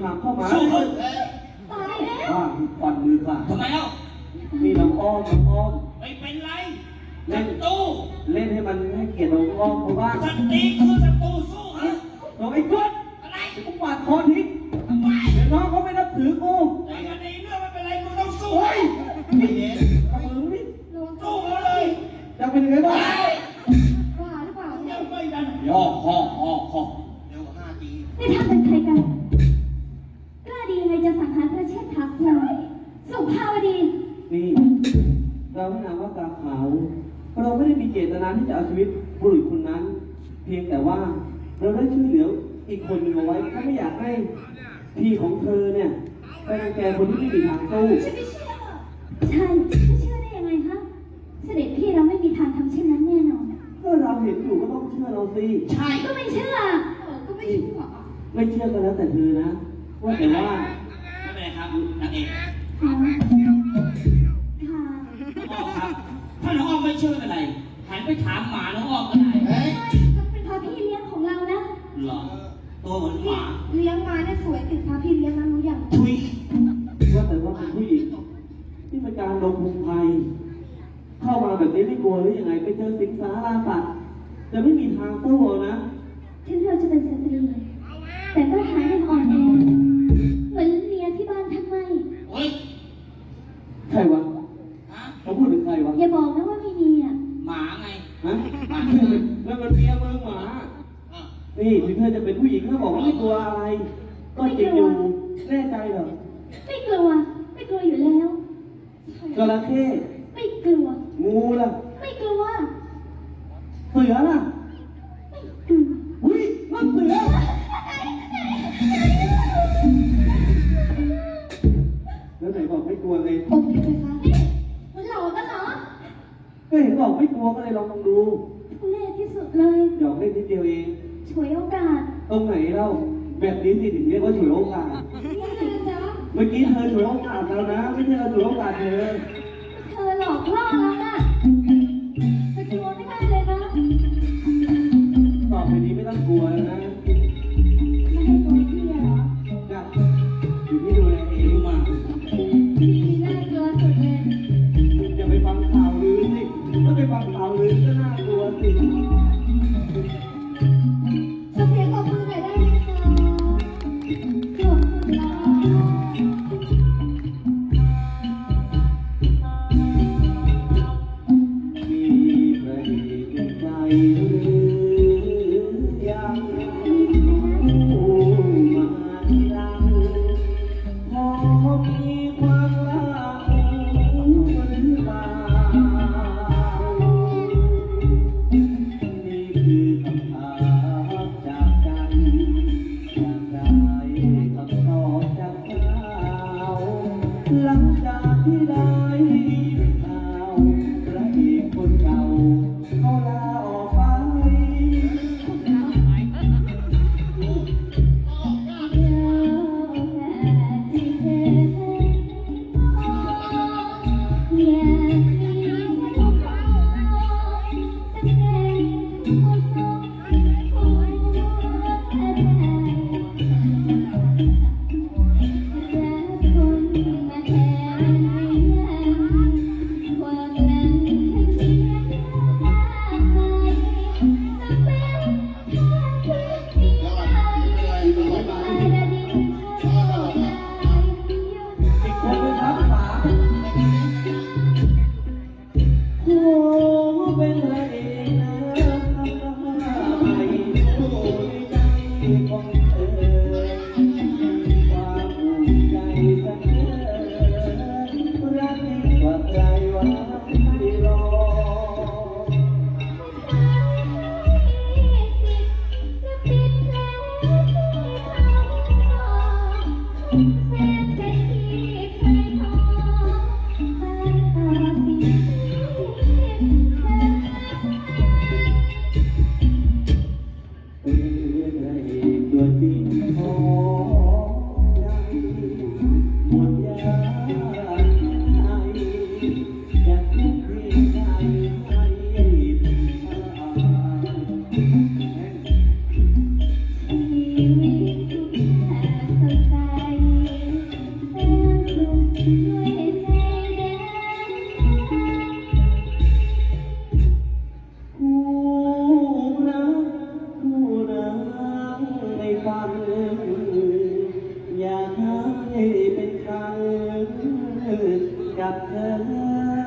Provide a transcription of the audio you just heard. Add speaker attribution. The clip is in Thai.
Speaker 1: ทางเข้ามา
Speaker 2: สู้เขา
Speaker 3: ตายแล้ว
Speaker 1: ว่าฟันมือค่ะ
Speaker 2: ทำไมเล่า
Speaker 1: มีน้องอ้อมน้องอ้อม
Speaker 2: ไม่เป็นไร
Speaker 1: เล่
Speaker 2: ศั
Speaker 1: น
Speaker 2: ตรู
Speaker 1: เล่นให้มันให้เกียรติน้องอ้อมเขาบ้าง
Speaker 2: ศัตรีคือศัตรูสู้ฮะ
Speaker 1: น้องไอ้กด
Speaker 2: อะไร
Speaker 1: กูปาดคอทิ้ง
Speaker 2: ทำไม
Speaker 1: เดี๋ยวน้องเขาไม่นับถือกู
Speaker 2: ไอ้กันนี้เรื่องไม่เป็นไรมึงต้องสู้
Speaker 1: โอ้ยนี่เอามือนี่
Speaker 3: ระวัง
Speaker 2: สู้เขาเลย
Speaker 1: จะเป็นยังไงบ้าง
Speaker 3: ว่าหรือเปล่าเนี่
Speaker 2: ยั
Speaker 3: ย
Speaker 2: งไม่ดันย่อห่อเร็วกว่า5 ที
Speaker 3: นี่ทำเป็นใครกันกล้าดียังไงจะสังหารพระเชษฐาพลายสุภาวดี
Speaker 1: นี่เราให้นามว่ากาขาวเราไม่ได้มีเจตนาที่จะเอาชีวิตบุรุษคนนั้น เพียงแต่ว่าเราได้ช่วยเหลืออีกคนหนึ่งเอาไว้ถ้าไม่อยากให้พี่ของเธอเนี่ยไปรังแกคนที่ไม่มีทางสู้
Speaker 3: ฉันไม่เชื่อใช่ไม่เชื่อได้ยังไงฮะเสด็จพี่เราไม่มีทางทำเช่นนั้นแน่นอน
Speaker 1: ก็เราเห็นอยู่ก็ต้องเชื่อเราสิ
Speaker 2: ใช่
Speaker 3: ก็ไม่เชื่อก็ไม่เชื่อ
Speaker 1: ไม่เชื่อก็แล้วแต่เธอนะว่าแต่ว่า
Speaker 2: ไม่เป็นไรครับนางเอก
Speaker 3: ค่ะค่ะ
Speaker 2: น้องอ้อมครับถ้าน้องอ้อมไม่เชื่อไม่เป็นไรหันไปถามหมาน้องอ้อมก็ได้
Speaker 3: ก็เป็นพระพี่เลี้ยงของเรานะ
Speaker 2: เหรอตัวเหมือนหมา
Speaker 3: เลี้ยงมาเนี่ยสวยติดพระพี่เลี้ยงนะรู้อย่าง
Speaker 2: ทุย
Speaker 1: ว่าแต่ว่าเป็นผู้หญิงที่เป็นการลงพุงไฟเข้ามาแบบนี้ไม่กลัวหรือยังไงไปเจอสิงสาราสัตว์จะไม่มีทางสู้นะ
Speaker 3: ถึงเราจะเป็นสตรีแต่ก็หายังอ่อนแอเหมือนเมียที่บ้านทำไม
Speaker 2: โอ้ย
Speaker 1: ใครวะ
Speaker 2: ฮะ
Speaker 1: เขาพูดถึงใครวะ
Speaker 3: อย่าบอกนะว่าไม่มีอ่ะ
Speaker 2: หมาไง
Speaker 1: ฮะแล้วมันเมียเมืองหมา
Speaker 2: อ่ะ
Speaker 1: นี่ถึงเธอจะเป็นผู้หญิงถ้าบอกว่าไม่กลัวอะไร ก็จริงอยู่แน่ใจเหรอ
Speaker 3: ไม่กลัวไม่กลัวอยู่แล้ว
Speaker 1: จระเข้
Speaker 3: ไม่กลัว
Speaker 1: งูล่ะ
Speaker 3: ไม่กลัว
Speaker 1: เสือล่ะ
Speaker 3: ไม่กลัว
Speaker 1: อุ้ยมันเสือแล้วไหนบอกไม่กลัวไง
Speaker 3: โอเคไหมคะมันหลอกกันเหรอ
Speaker 1: ก็เห็นบอกไม่กลัวก็เลยลองดู
Speaker 3: ทุเล่ที่สุดเลย
Speaker 1: หยอกเล่นนิดเดียวเอง
Speaker 3: ฉวยโอกาส
Speaker 1: ตรงไหนเล่าแบบนี้สิถึงเรียกว่าฉวยโอกาส
Speaker 3: นี่เลยจ๊ะ
Speaker 1: เมื่อกี้เธอฉวยโอกาสเรานะ ไม่ใช่เราฉวยโอกาสเธอ
Speaker 3: เธอหลอกล่อเราน่ะจะกลัวไม่ได้เลยนะ
Speaker 1: ต่อไปนี้ไม่ต้องกลัวแล้วนะ
Speaker 3: ไม่ให้ตัวพี่เหรอ
Speaker 1: จ้ะอยู่ที่ดูแลเองมา
Speaker 3: พี่น่ากลัวสุดเลย
Speaker 1: อย่าไปฟังข่าวลือสิถ้าไปฟังข่าวลือก็น่ากลัวสิ
Speaker 3: ขอเสียงปรบมือหน่อยได้ไหมคะขอบคุณค่ะ
Speaker 1: มีประเด็นใจหรือยังผู้มาทีหลังพอมีความรักหรือเปล่านี่คือคำถามจากใจอยากได้คำตอบจากเราหลังจากที่ได้ยินข่าวพระเอกคนเก่าเขาลาออกไป โอ้เป็นพระเอกนะไม่รู้ใจของเธอความภูมิใจเสนอรักยิ่งกว่าใครหวังไม่รอย